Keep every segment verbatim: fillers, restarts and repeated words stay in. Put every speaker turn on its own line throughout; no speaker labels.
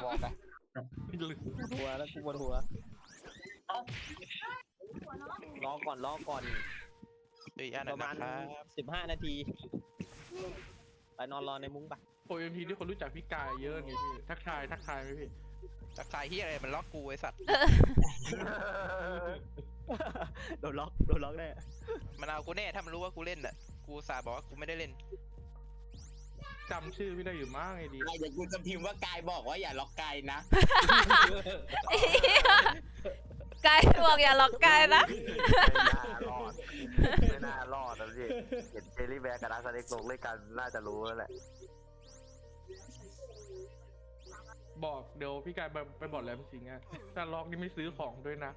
บอกอะ
ปวดหัวแล้วกูปวดหัวรอก่อนรอก่อน
อีกอัน
ป
นั้น
ระมาณ
นะครับ
สิบห้านาทีไปนอนรอในมุ้งปะ
โอเอ็มพีที่คนรู้จักพี่กายเยอะไงพี่ทักทายทักทายไหมพี่
ตะไคร้ที่อะไรมันล็อกกูไอ้สัตว์
โดนล็อกโดนล็อกแน่
มันเอากูแน่ถ้ามันรู้ว่ากูเล่นอ่ะกูสาบอกว่ากูไม่ได้เล่น
จำชื่อพี่ได้อยู่มากไงดี
ไอ้เดี๋ยวกูจะพิมพ์ว่ากายบอกว่าอย่าล็อกกายนะ
ไกายบอกอย่าล็อกไกายนะ
ไม่น่ารอดไม่น่ารอดนะพี่เห็นเจลลี่แบร์กับอาร์เซนอลลงด้วยกันน่าจะรู้แล้วแหละ
บอกเดี๋ยวพี่กายไปไปบอกแหลมสิงห์อะถ้าล็อกนี่ไม่ซื้อของด้วยนะ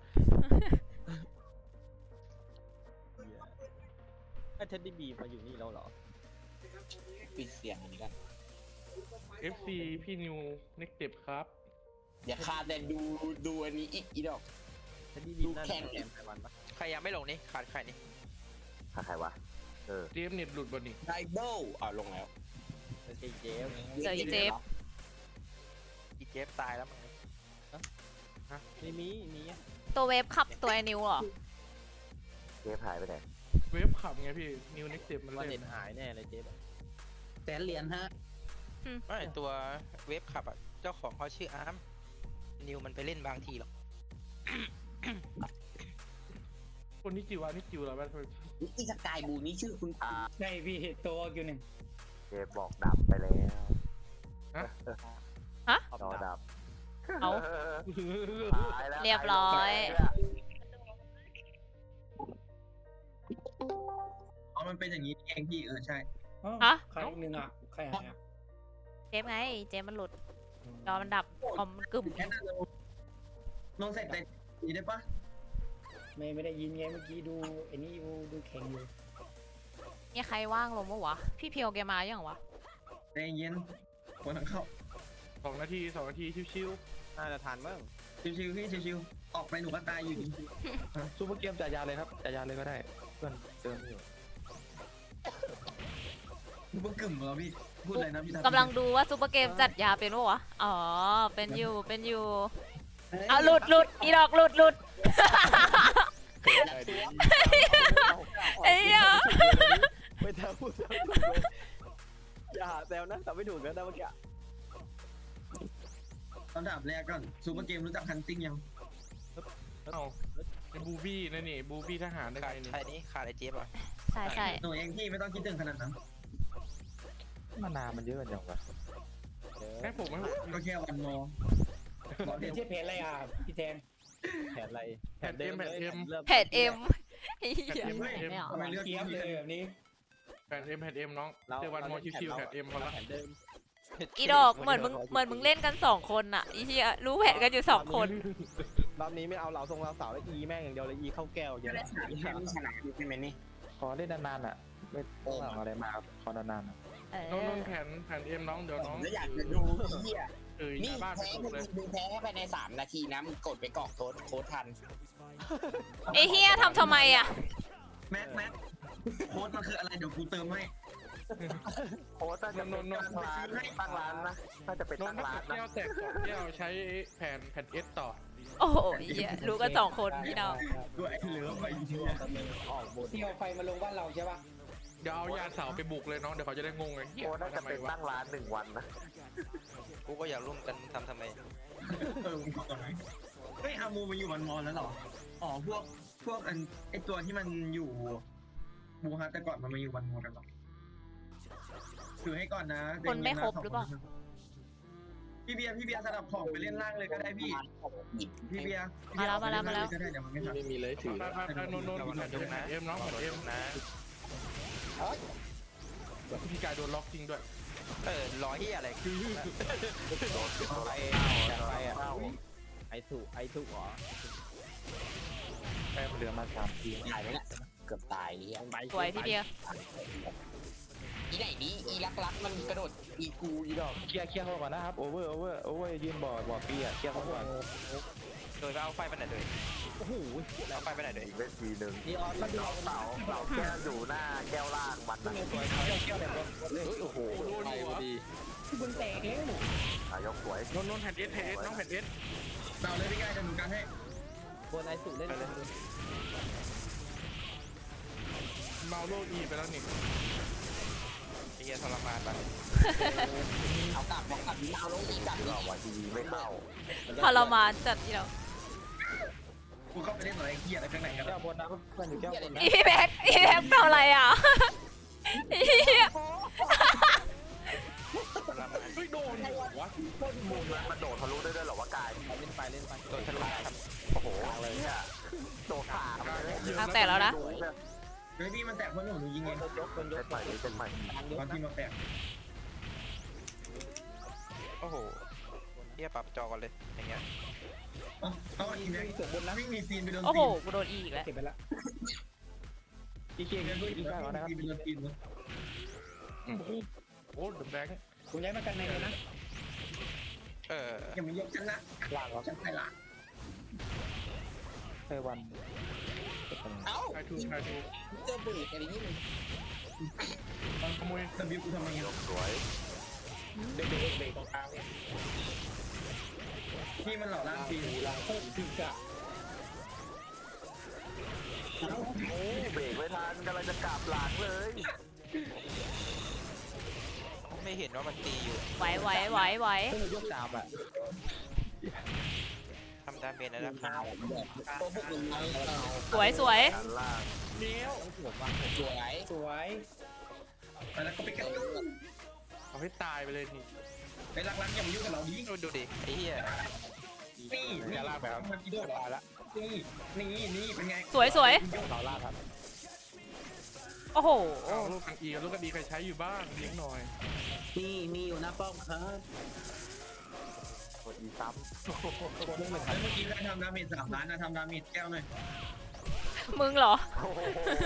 ไอ้เท็ดดี้บีมาอยู่นี่แล้วเหรอ
ปิดเสียงอันนี้กัน
เอฟ ซี พี่นิวเน็กเจ็บครับ
อย่าขาดแต่ดูดูอันนี้อีกอีดอก
เท็ดดี้บี
ดู
น่า
แข่
จะ
ง
แกมไต้หวันปะ
ใครยังไม่ลงนี่ขาดใครนี่
ถ้าใครวะเออ
เจมเน็ตหลุดบนนี่
ไดเบิลอ่าลงแล้ว
เจเจฟ
เจออีเจฟ
อีเจฟตายแล้วมึง
มีมีมี
ตัวเวฟขับตัวไอ้นิวเหรอ
เจฟหายไปไหน
เวฟขับไงพี่นิวเน็กเจ็บมัน
ว่า
เล่
เน็
น
ตหายแน่เลยเจฟ
แสนเหรียญฮะ
ไม่ตัวเวฟขับอ่ะเจ้าของเขาชื่ออาร์มนิวมันไปเล่นบางทีหรอก
คนที่จิวานี่จิวแล้วมัน
นี่สกายบูนี่ชื่อคุณอา
ใช่พี่ตัวอยู่หนึ่ง
เจฟบอกดับไปแล้ว
ขอบ
จอ
ดั
ดั
บบ
เอา
หายแล้ว
เรียบร้อย
อ๋อมันเป็นอย่างนี้เองพี่เออใช่
ฮะ
ใครอีกหนึ่งอ่ะ ใครหายอ่ะ
เจฟไง เจฟมันหลุดจอมันดับคอมมันกึ่ม
แค่นั้นลงเสร็จแต่ดีได้ปะ
ไม่ไม่ได้ยินไงเมื่อกี้ดูไอ้นี่ดูดูแข่งอยู่
มีใครว่างลงปะวะ พี่เพียวแกมายังวะ
ใจเย็นคนทั้งเข้า
สองนาทีสองนาทีชิว
น่าจะทันมั้ง
ชิวๆพี่ชิวๆออกไปหนูก็ตายอยู่ดี
ซูเปอร์เกมจ่ายยาเลยครับจ่ายยาเลยก็ได้เพื่อนเติมอยู่
มึงเพิ่งกึ่มเหรอพี่พูดอะไรนะพี่
กำลังดูว่าซูเปอร์เกมจัดยาเป็นปะวะ อ๋อ เป็นอยู่เป็นอยู่เอาหลุดหลุดอีดอกหลุดหลุดไอ้เหี้ย
ไม่ทำพูดอย่าหาแซวนะแต่ไม่ถูกนะเมื่อกี้
คำถามแรกก่อนซูเปอร์เกมรู้จักฮันติ้งยัง
ๆเอ้าไอ้บูบี้นั่นนี่บูบี้ทหารได้
ขา
ไง
ด
นี่
ใครนี่ขาดไอ้เจฟอ่ะ
ใช่ใช่
หนูเองพี่ไม่ต้องคิดถึงขนาดนั้น
มานานมันเยอะกันจังวะ
ให้ผมให้ผม
ก็แค่วันโมบอก
เป็
เดี๋
น
ยว
ชื่อเพจอะไรอ่ะ พี่แทน
แผนอะไรแผนเดิมเลยริ่ม
เพจเอ็มไอ้เหี้ยไม่เอา
ทำไมเลือก
เกียบเลยแบบนี้
แผ่นเอ็มแผ่นเอ็มน้องเจอวันมอชิวๆแผ่นเอ็มพอละ
แผนเดิม
อีดอกเหมือนมึงเหมือนมึงเล่นกันสองคนอะอีเหี้ยรู้แผนกันอยู่สองคน
รอบนี้ไม่เอาเหล่าทรงเราสาวแล้วอีแม่งอย่างเดียวเลยอีเข้าแก้วเยอะ
แค่ไม่ชนะใช่ไหมนี่
ขอเล่นนานๆอ่ะไม่ต้องเอาอะไรมาครับขอนานๆอะ
เอ
น้องน้อง
อ
แผ่นแผ่นเอ็มน้องเดี๋ยวน้อง
แล้วอยากจะดูเฮีย
เออห
นี่
น้าบ้านไป
แพ้
ถูกเลย
มึงแพ้ภายในสามนาทีนะมึงกดไปกรอกโค้ดโค้ดทัน
ไอ้เหี้ยทำทำไมอะ
แม็กแม็กโค้ดมันคืออะไรเดี๋ยวกูเติมให้
โอ้น่าจะเป็นตั้งร้านตั้งร้านนะน่าจะเป็น
น้อง
ตั้ง
ถ้า
ร้าน
เกิด
นะ
แก้วแตกสองแก้วใช้แผ่นแผ่นเอสต่อ
โอ้โหไอ้เหี้ยรู้กันสองคนพี่น้อง
ด้วยไอ้เหลือไปเหี้ย
ออกบน
ที่เอาไฟมาลงบ้านเราใช่ปะ
เดี๋ยวเอายาเสาไปบุกเลยน้องเดี๋ยวเขาจะได้งงไงเฮีย
โอ้น่าจะ
ทำไม
เป็น
วะ
ตั้งร้านหนึ่งวันนะ
กูก็อยากร่วมกันทำทำไม
เออมึงบอกก่อนไหมเฮ้ยอามูมาอยู่วันมอนแล้วเหรออ๋อพวกพวกอันไอตัวที่มันอยู่บูฮาแต่ก่อนมันมาอยู่วันมอนกันเหรอถือให้ก่อนนะ
คนไม่ครบหรือเปล่า
พี่เบียร์พี่เบียร์สลับของไปเล่นล่างเลยก็ได้พี่พี่เบียร์
มาแล้วมาแล้วมาแล้ว
ก็ได้เดี๋ยวมันไม่ทัน
ไม่มีเลยถือ
ไปไปไปโนนโนนแผ่นเอ็มแผ่นเอ็มน้องแผ่นเอ็ม
นะ
พี่กายโดนล็อกจริงด้วย
เออรอที่อะไร
ไปจัดไปอ่ะไอถูกไอถูกเหรอ
แต้มเหลือมาสามที
ตายไหมล่ะเกือบตายเฮีย
ไป
สวยพี่เบียร์
อีไหนนี้อีลักลักมันกระโดดอีกูอีดอก
เคลียร์เคลียร์เขาก่อนนะครับโอเวอร์โอเวอร์โอเวอร์ยืนบ่อบ่อปีอ่ะเคลียร์เขาก่อน
โดยไปเอาไฟไปไหนเลย
โอ้โห
เอาไฟไปไหนเลย
อีกเวทีหนึ่ง
นี่ออนมาดู
เสาเสาเสาแก้วอยู่หน้าแก้วล่างมัน
คุณ
นะ
เงี้ยสวยเขาเกี่ยวเลยเลย
โอ้โหไปพอดี
คุณแตกแล้ว
นายกสวย
นนนนแผ่นเอสแผ่นเอสน้องแผ่นเอส
เราเลยพี่กายจะหนุนกันให้
บนไอสุเล่นเลย
เมาโลอีไปแล้วนี่
ไอ้เหี้ยทรมานปะ
เอากลับเอากลับเอาลงอีกกลับ
ก็วันทีไม่เข้า
ทรมานจัดอีดอก
กูเข้าไปเล่นอะไรเกียร์อะไรข้างในกัน
แก้วบนนะเพื่อนอยู่แก้วบนนะ
อีแบ็กอีแบ็กทำอะไรอ่ะอีเหี้ย
ทรมาน
เฮ้ยโดนหัววะ
มุมนั้นมันโดดทะลุได้ด้วยเหรอวะกาย
เล่นไปเล่นไป
โดนทะลุครับ
โอ้โหเนี่ยโดดผ่ามาเลย
ทางแตกแล้วนะ
เฮ้ยพี่มันแตกเพราะหนูหนูยิงเอง
ยกคนย
เส้
ก
นใหม่นี่เส้นใหม่
ตอนที่มันแตก
โอ้โหเหี้ยปรับจอกันเลยอย่างเงี้ย
อ๋อเอาอีกนะ
เสือบนนะ
วิ่งมีซีนไปโดน
โอ้โห
ซีน
กูโดนอีอีกแล้ว
เก็บไปละ
อีเกียร์
เดี๋ยว
อี
วิ่ง
กแล้วนะครับ
ซีนไปโดนซีนนะ
โอ้เดอะแบงค์
ผมย้ายมากันในเลยนะ
เออ
อย่ามา ยกฉันนะ
ล่างครับ
ฉันไปละ
เซวัน
เอ้า
ไอทูไอทู
เจอบุหรี่อะไรนี่มัน
มันขโมย
สบิวกูทำไม
ย
เงี้ย
กสวย
เบรกเบรกเบรกตรงกลาง
พี่มันหล่อล่างซีน
หลังโคตรพิกอะ
โอ้เบรกไม่ทันกำลังจะกลับหลังเลย
ไม่เห็นว่ามันตีอยู่
ไหวไหวไหวไหว
เพื่อนยกดาบอ่ะ
ทำดาเมจนะครับ
ตัวพวกมึงไงเอา
สวยสวย
ด้านล่าง
เนี้ยว
สวยว่ะ
สวย
สวย
ไปแล้วก็ไปกัน
เอาให้ตายไปเลยนี่
ไปรักรักอย่ามายุ่งกับเราดิ
ดูดูดิไอ้เหี้ย
นี่นี่ลากแบบมันกินด้วยละนี่นี่นี่เป็นไง
สวยสวย
ต่อล่างครับ
โอ้โห
เอาลูกกันอีกับลูกกันอีใครใช้อยู่บ้างเลี้ยงหน่อย
นี่มีอยู่หน้าป้อมครับ
กดอีซ้
คนนึงเหมือน
แล้วเมื่อกี้ใครทำดาเมจสามล้านนะทำดาเมจแก้วหน่อย
มึงเหรอ
ำโอ้โห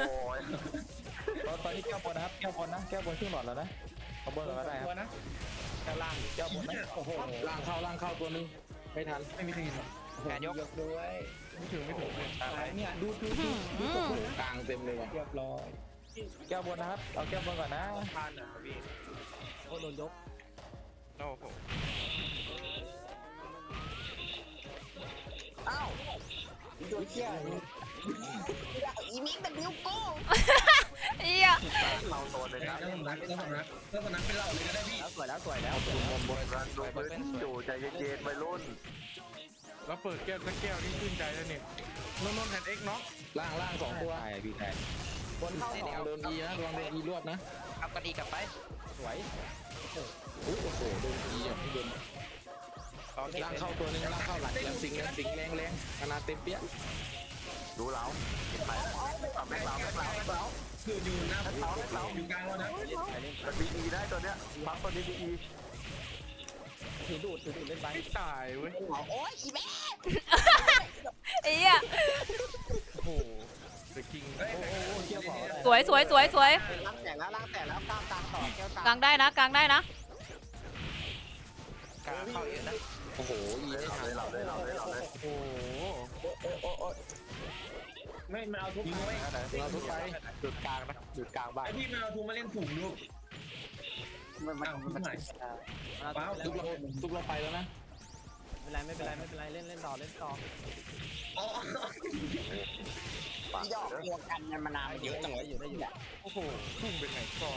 ตอนนี้แก้วบนนะครับแก้วบนนะแก้วบนครึ่งหลอดแล้วนะเอาบนก่อนก็ได้ค
ตั
รั
ว
บ
นะ
แก้วล่างแก้วบนนะโอ้โห
ล่างเข้าล่างเข้าตัวนึงไม่ทัน
ไม่มีใครเห็นหรอก
แขนยก
ยกด้วย
ไม่ถึงไม่ถึงเลย
อะไรเนี่ยดูดูดูดูตกนะ
กลางเต็มเลยว่ะ
เรียบร้อย
แก้วบนนะครับเอาแก้วบนก่อนนะทานอ่ะพี่โอ้โดนยก
โอ้โห
เอ้า
โดนเชี่ย
อีมิกเป็นนิ้วโป้ง
เอี้ย
เราโดนเลย
แล้
นะ
วสำนักแล้วสำนักแล้วสำนักเป็นเหล่าเลยก็ได้พี่
แล้วสวยแล้วสวยแล้ว
รันดูพื้นอยู่ใจเย็นๆไปรุ่น
แล้วเปิดแก้วสักแก้วนี่ชื่นใจแล้วเนี่ยนนนนแผ่นเอ็กเนาะ
ล่างล่างสองตัว
ใช่พี่แทน
บนเข้าสองโดนอีนะระวังโดนอีรวบนะ
เอากระดีกลับไป
สวย
อุ้ยโอ้โหโดนอีอ่ะพี่โดน
รอเก็บ
ล่าง
เลย
เข้าตัวนึงล่างเข้าหลังแรงสิงแรงสิงแรงแรงขนาดเต็มเปี้ย
ดูเราไปแม่เราแม่เราแม่เรา
คืออยู่หน้าอยู่กลางแล้วนะ
มันดีอีได้ตัวเนี้ยปั๊มตัวนี้ดีอี
ถือดูดถือดูดเล่นไป
ไม่ตายเว้ย
โอ้ยอีแม่
เอี้ย
โอ้โหเดอะคิง
เฮ้ย
โอ้โหเกี่ยวขอได้
สวยสวยสวยสวย
ล้างแตกแล้วล้างแตกแล้วกลางกลางต่อแก้วกลาง
กลางได้นะกลางได้นะ
กลางเข้าเองนะ
โอ้โหอีไม่ทัน
เราเลยเราเลยเราเลย
โอ้โห
ไม่มาเอาทุก
ยิงไว้
เราทุบไป
จุดกลางนะจุดกลางบ้าน
ไอพี่มาเอาทูมาเล่นถุงลูก
มันมัน
อ้าว
มัน
ไหน
ว้าว
ทุบเราทุบเราไปแล้วนะ
ไม่เป็นไรไม่เป็นไรไม่เป็นไรเล่นเล่นต่อเล่นต่อ
อ๋อ
ปาก
ยอกตัวกันมันมานานเยอะจังเลย
อยู่ได้อยู่
โอ้โหพุ่งเป็นไหนก่อน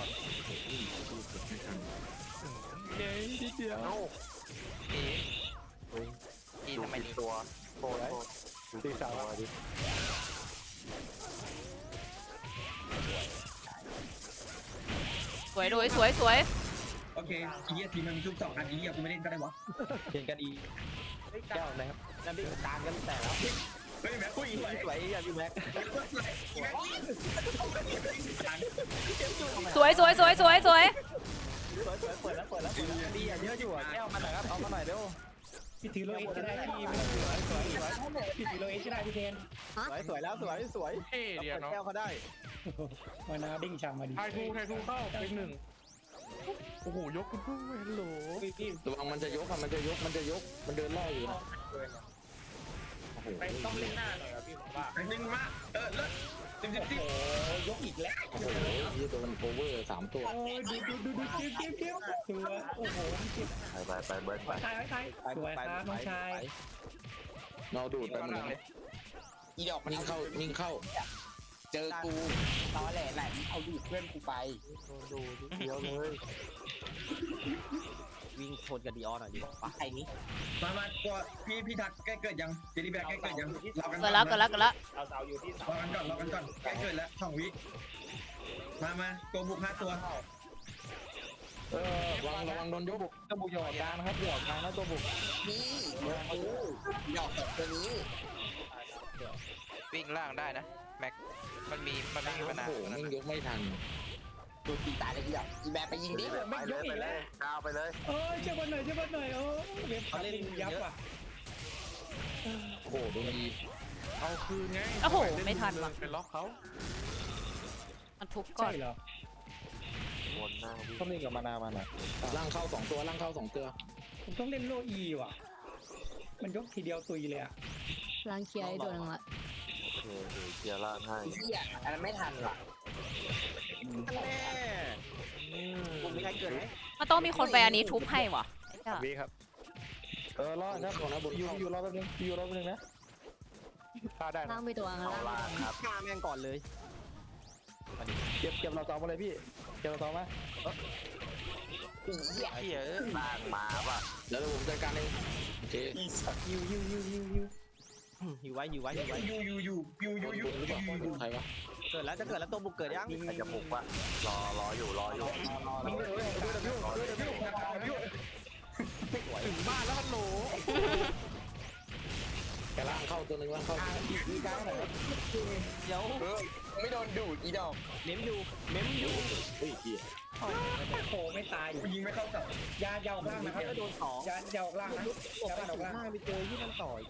เย้ทีเดียว
โน้
ตีตี
ดู
ทำไม
ผิด
นี่
ตัวโทษโทษตีสาวดิ
สวยสวยสวยสวย
โอเคอีเหี้ยทีมันมีทุกสองอันอีเหี้ยกูไม่เล่นก็ได้วะ
เห็นกันอีแก้วนะครับนั่นพี่กลางกันแต่แล้ว
เฮ้ยแม็กซ์
อุ้ยสวยอย่าพี่แม็ก
สวยสวยสวยสวยสวย
สวยสวยเปิดแล้วเปิดแล้วเปิดแล้วดีอ่ะเยอะอยู่อ่ะแก้วมาหน่อยครับเอามาหน่อยเร็ว
พี่ถือโลเอชก็ได้พี่ไม่ต้องถือสวยสวยสวยพี่ถือโลเอชก็ได้พี่เทน
สวยสวยแล้วสวยสวย
เท่เดียวเนาะ
แก้วเขาได้
มานาดิ้งชามมาดี
ไททูไททูเข้าเป็นหนึ่งโอ้โหยกคุณพุ่งฮัลโหล
พี่พี่
ระวังมันจะยกอ่ะมันจะยกมันจะยกมันเดินล่ออยู่นะโอ้โห
ไปต้องเล่นหน้าหน่อยครับพี่ผมว่า
อันนึงมาเออเลิศสิบสิบสิบ
โอ้ยกอีกแล้ว
โอ้โหยี่ตัวมันโคเวอร์สามตัว
โอ้ยดูดูดูดูเก็บเก็บเก็บสวยโอ้โหเก็บ
ไปไปไปเบิร์ดไป
ตายตายสวยครับน้องชาย
เราดูดไป
ข้าง
หม
ล่าง
ด
เลย
อีดอกมัน
นิ่งเข้านิ่งเข้า
เจอกูตอแหลไหนเอาดูดเพื่อนกูไป
ดูเดียวเลยวิ่งชนกับดีออนหน่อยดิปะ
ไอ้นี้
มามาตัวพี่พี่ทักใกล้เกิดยังเจลี่แบกใกล้เกิดยังรอกัน
เกิดแล้วเกิดแล้วเกิดแล้ว
เอาเสาอยู่ที่เสาร
อกันก่อนรอกันก่อนใกล้เกิดแล้วสองวิมามาตัวบุกห้าตัว
เออระวังระวังโดนยกบุกตัวบุกหยอดกลางนะครับหยอดกลางนะตัวบุก
นี่เดี๋ยวกูอีดอกสองตัวนี้
วิ่งล่างได้นะแม็กมันมีมันไม่มีปัญหา
โอ้โหแม่งยกไม่ทัน
ดูตีตายเลยอีดอกอีแบร์ไปยิงดิ
ไปเลยไปเลยกาวไปเลย
เออเชื่อบอลหน่อยเชื่อบอลหน่อยโอ้เว็บเล่นยับว่ะ
โอ้โหโดนดี
เอาคืนไง
โอ้โหไม่ทันว่ะ
ไปล็อกเขา
มันทุบก่อ
ใช่
น
เหรอ
วนหน้าวิ่ง
ต้องเล่นกับมานามันอ่ะล่างเข้าสองตัวล่างเข้าสองตัว
ผมต้องเล่นโลอีว่ะ มันยกทีเดียวตุยเลยอ่ะ
ล้างเคลียร์ไอ้ตัวนึงละ
โอเคเดี๋ยวเคลียร์ล่างให้
เฮียอันนั้นไม่ทันว่ะ
แน่ผมมีใครเกิดไหม
มันต้องมีคนไปอันนี้ทุบให้ว่ะไอ้เจ้า
วีครับ
เออรอดครับนะบนอยู่อยู่รอแป๊บนึงอยู่รอแป๊บนึงนะฆ่าได้นะ
ล่างไปตัวอัง
เอา
ล่าง
ล่างครับ
ฆ่าแม่งก่อนเลย
เก็บเก็บเราต่อมาเลยพี่เก็บเราต่อมา
อีเฮีย
เหี้ยเอ้ย
ล่างมาป่ะ
เดี๋ยวผมจัดการเองโอเค
ยิวยิวยิวยิวยิว
อยู่ไว้อยู่ไว้อยู่ไว้
ยูยูยูยูยูยู
บนหรือเปล่าบนใครวะ
เกิดแล้วจะเกิดแล้วตัวบุกเกิดยัง
ใครจะบุกวะรอรออยู่รออยู่
ถึงบ้านแล้วมันโหล
แกล่างเข้าตัวนึงล่างเข้า
มีการไหน
เดี๋ยว
เออไม่โดนดูดอีดอก
เม้มอยู่เม้มอยู่
เฮ้ยเหี้ย
โอ้โหไม่ตาย
ยิงไม่เข้ากับ
ยายาวล่างนะครับ
ก็โดนสอง
ยายาวล่างนะ
ตก
ยา
ไป
ว
ถึง
ล่าง
ห้าไปเจอที่นั่นต่อย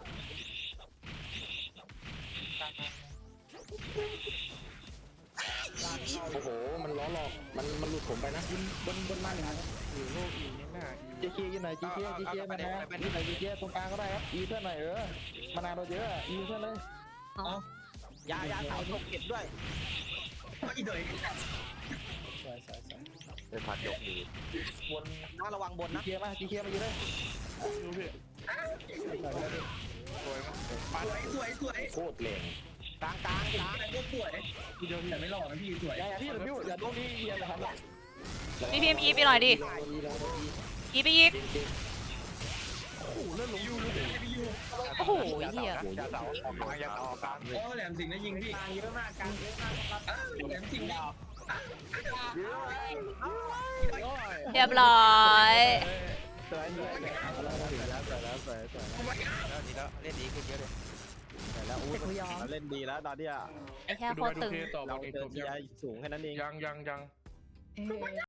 โอ้โหมันล้อหลอกมันมันหลุดผมไปนะ
บนบนมาหนึ่ง
อยู่โลกอีนี่หน้าอี
เจเคียอยู่ไหนเจเคียเจเคียมานะอยู่ไหนเจเคียตรงกลางก็ได้ครับอีเพื่อนหน่อยเออมานานเราเยอะอีเพื่อนเลย
ยายาเสาตกเก็บด้วย
อีเดย
สวยสวยสวย
เป็นพัดยกดี
น่าระวังบน
เจ
นะ
เคียมาเจเคียมาอยู่เลย
ดูพี่สวยมั้ย
สวยสวยสวย
โคตรแรง
กลางกลางกลาง
แต่ก็สวยแต่ไม่หล่อนะพี่สวย
อย่าอย่าพี่อย่าพี่อย่าโดนพี่อย่าทำละ
พี่พิมพ์อีไปหน่อยดิอีไปอีก
ยูรูพี่ยู
โอ้โหเหี้ย
อย่าเสาออกกลางอย่าเสาออกกลาง
โอ้แหลมสิงห์นะยิงพี่
กลางเยอะมากกลางเยอะมากครับ
แหลมสิงห์
เรียบร้อย
สวยสวยสวยแล้วสวยแล้วสวยสวย
แล้วดีแล้วเล่นดีขึ้นเยอะเลย
สวยแล้วอู้เราเล่นดีแล้วตอนเนี้ย
ไอ้แค่
ดู
โคตร
ดู
ตึง
เพต่อบ
เรา
อลเอง
เจ
จ
อบ ที
ยัง
ไอสูงแค่นั้นเอง
ยังยังยัง